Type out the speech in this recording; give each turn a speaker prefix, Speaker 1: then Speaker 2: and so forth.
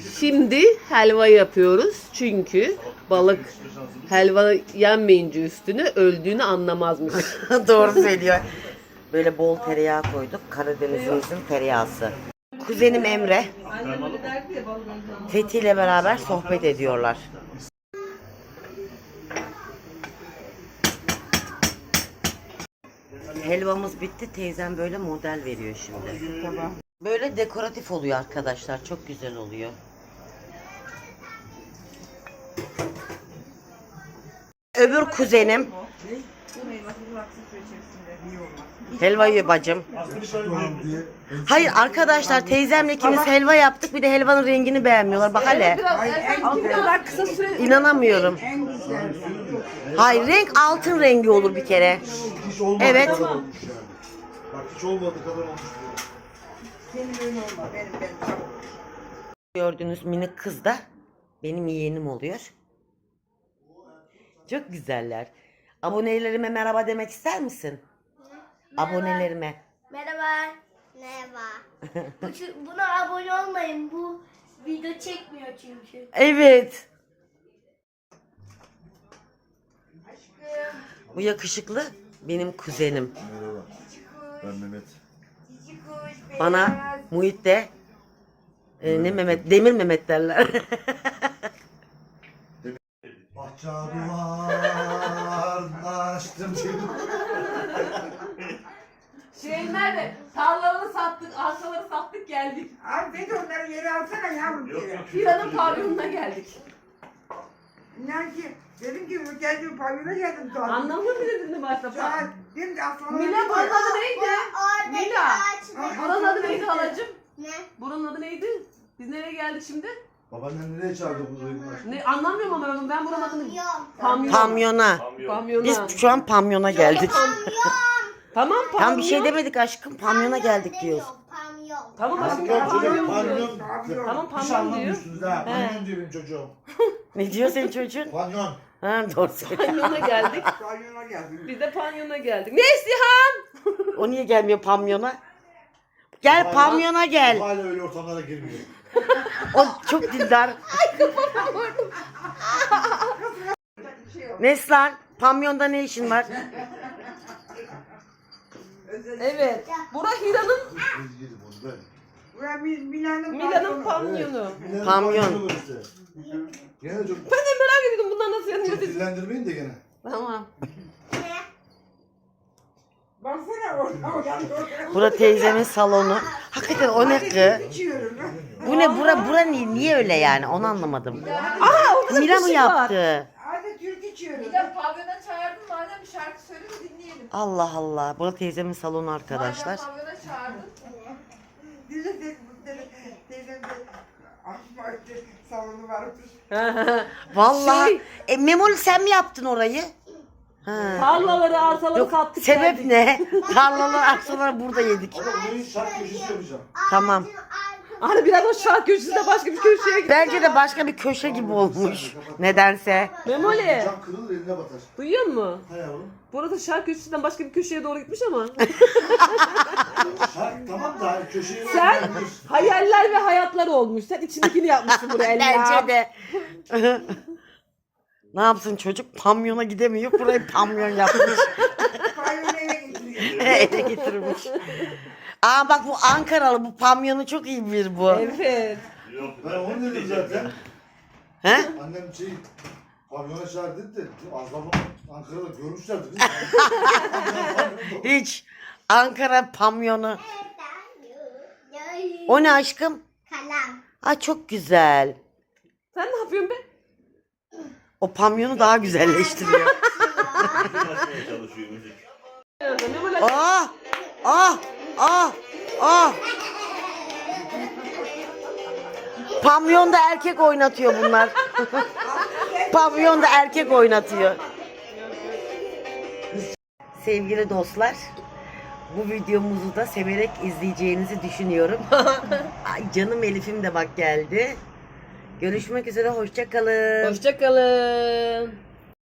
Speaker 1: Şimdi helva yapıyoruz. Çünkü balık helva yenmeyince üstüne öldüğünü anlamazmış.
Speaker 2: Doğru söylüyor. Böyle bol tereyağı koyduk. Karadenizimizin tereyağısı. Kuzenim Emre Fethi ile beraber sohbet ediyorlar. Helvamız bitti. Teyzem böyle model veriyor şimdi. Tamam. Böyle dekoratif oluyor arkadaşlar. Çok güzel oluyor. Öbür kuzenim helva yiyor bacım. Hayır arkadaşlar, teyzemle ikimiz helva yaptık. Bir de helvanın rengini beğenmiyorlar. Bak hele. İnanamıyorum. Hayır, renk altın rengi olur bir kere. Evet.
Speaker 3: Bak hiç olmadı kadar olmuş.
Speaker 2: Gördüğünüz minik kız da benim yeğenim oluyor. Çok güzeller. Abonelerime merhaba demek ister misin?
Speaker 4: Merhaba.
Speaker 2: Abonelerime.
Speaker 4: Merhaba. Merhaba. Buna abone olmayın. Bu video çekmiyor çünkü.
Speaker 2: Evet. Bu yakışıklı benim kuzenim.
Speaker 3: Merhaba. Ben Mehmet.
Speaker 2: Bana Muhit de ne Mehmet? Demir Mehmet derler.
Speaker 3: Bahçe duvarını açtım.
Speaker 1: Şey nerede? Tarlaları sattık, arsaları sattık geldik.
Speaker 5: Abi ben de onları yere alsana yavrum.
Speaker 1: Hira'nın pavyonuna geldik.
Speaker 5: İnan ki dedim ki bu geldim pavyona geldim sonra.
Speaker 1: Anlamıyor mu dedin başta?
Speaker 5: Sonra dedim ki aslında.
Speaker 1: Mila buranın adı neydi? Mila. Buranın adı neydi halacığım?
Speaker 4: Ne?
Speaker 1: Buranın adı neydi? Biz nereye geldik şimdi?
Speaker 3: Babaannen nereye çağırdı bu duygular?
Speaker 1: Ne anlamıyorum ama ben buranın adını...
Speaker 4: Yok.
Speaker 1: Pamyon.
Speaker 2: Pamyona.
Speaker 1: Pamyona.
Speaker 2: Biz şu an pamyona geldik.
Speaker 1: Tamam pamyon.
Speaker 2: Tam bir şey demedik aşkım. Pamyona geldik diyoruz.
Speaker 4: Pamyon.
Speaker 1: Tamam aşkım
Speaker 3: Pamyon
Speaker 1: pamyon
Speaker 3: çocuk,
Speaker 1: diyor.
Speaker 3: pamyon.
Speaker 1: Tamam,
Speaker 3: Hiç
Speaker 1: pamyon diyor.
Speaker 3: anlamıyorsunuz ha. Pamyon diyor benim çocuğum.
Speaker 2: Ne diyor senin çocuğun?
Speaker 3: Pamyon.
Speaker 2: Ha, doğru söylüyor.
Speaker 1: Pamyona geldik.
Speaker 5: Pavyona geldim.
Speaker 1: Biz de pamyona geldik. Neslihan!
Speaker 2: O niye gelmiyor pamyona? Gel pamyona gel.
Speaker 3: Hala öyle ortamlara girmiyor.
Speaker 2: O çok dindar. Neslan, pamyonda ne işin var?
Speaker 1: Evet. Bura Hira'nın
Speaker 3: Biz gidip onu ben.
Speaker 5: Buraya Mila'nın
Speaker 1: Mila'nın
Speaker 5: pavyonu.
Speaker 1: pamyonu.
Speaker 3: Millet
Speaker 2: Pamyon.
Speaker 3: pamyon olur işte. Gene çok,
Speaker 1: Ben de merak ediyordum bunlar nasıl yanıyor
Speaker 3: çok
Speaker 1: dedi.
Speaker 3: dillendirmeyin de gene.
Speaker 1: Tamam.
Speaker 5: Baksana oradan.
Speaker 2: Bura teyzemin salonu. Hakikaten o ne kız?
Speaker 5: İçiyorum.
Speaker 2: Bu ne bura niye öyle yani onu anlamadım.
Speaker 1: Aa orada
Speaker 2: Mira
Speaker 1: bir
Speaker 2: mı
Speaker 1: şey var.
Speaker 2: yaptı?
Speaker 5: Hadi Türk içiyorum.
Speaker 6: Bir de pavyona çağırdım, madem bir şarkı söyle de dinleyelim.
Speaker 2: Allah Allah. Bura teyzemin salonu arkadaşlar.
Speaker 6: Madem pavyona çağırdın.
Speaker 5: Teyzem de ahmakta salonu varmış.
Speaker 2: Vallahi. Memoli sen mi yaptın orayı? Ha.
Speaker 1: Tarlaları, arsaları
Speaker 2: Yok,
Speaker 1: sattık
Speaker 2: sebep
Speaker 1: geldik.
Speaker 2: ne? Tarlalar, arsalar burada yedik.
Speaker 3: Ama burayı şark köşesi yapacağım.
Speaker 2: Tamam.
Speaker 1: Hani biraz o şark köşesinde başka bir köşeye git.
Speaker 2: Bence de başka bir köşe gibi olmuş. Nedense.
Speaker 1: Memoli.
Speaker 3: Cam kırılır eline batar.
Speaker 1: Duyuyor musun?
Speaker 3: Ha yavrum.
Speaker 1: Burada şark köşesinden başka bir köşeye doğru gitmiş ama.
Speaker 3: Şark tamam da hani köşeye
Speaker 1: Sen hayaller ve hayatlar olmuş. Sen içindekini yapmışsın buraya.
Speaker 2: Bence de. Ne yapsın çocuk? Pamyona gidemiyor. Burayı pamyon yapmış.
Speaker 5: Pavyonu eve getiriyor.
Speaker 2: Ele getirmiş. Aa bak bu Ankaralı. Bu pamyonu çok iyi bilir bu.
Speaker 1: Evet.
Speaker 3: Ben onu dedim zaten.
Speaker 2: He?
Speaker 3: Annem pavyona çağır dedi de az babam Ankara'da görmüşlerdi.
Speaker 2: Hiç. Ankara pamyonu. O ne aşkım?
Speaker 4: Kalem.
Speaker 2: Aa çok güzel.
Speaker 1: Sen ne yapıyorsun be?
Speaker 2: O pamyonu daha güzelleştiriyor.
Speaker 1: Memoli.
Speaker 2: Ah! Ah! Ah! Ah! Pamyonda erkek oynatıyor bunlar. Pavyonda erkek oynatıyor. Sevgili dostlar, bu videomuzu da severek izleyeceğinizi düşünüyorum. Ay canım Elif'im de bak geldi. Görüşmek üzere, hoşça kalın.
Speaker 1: Hoşçakalın.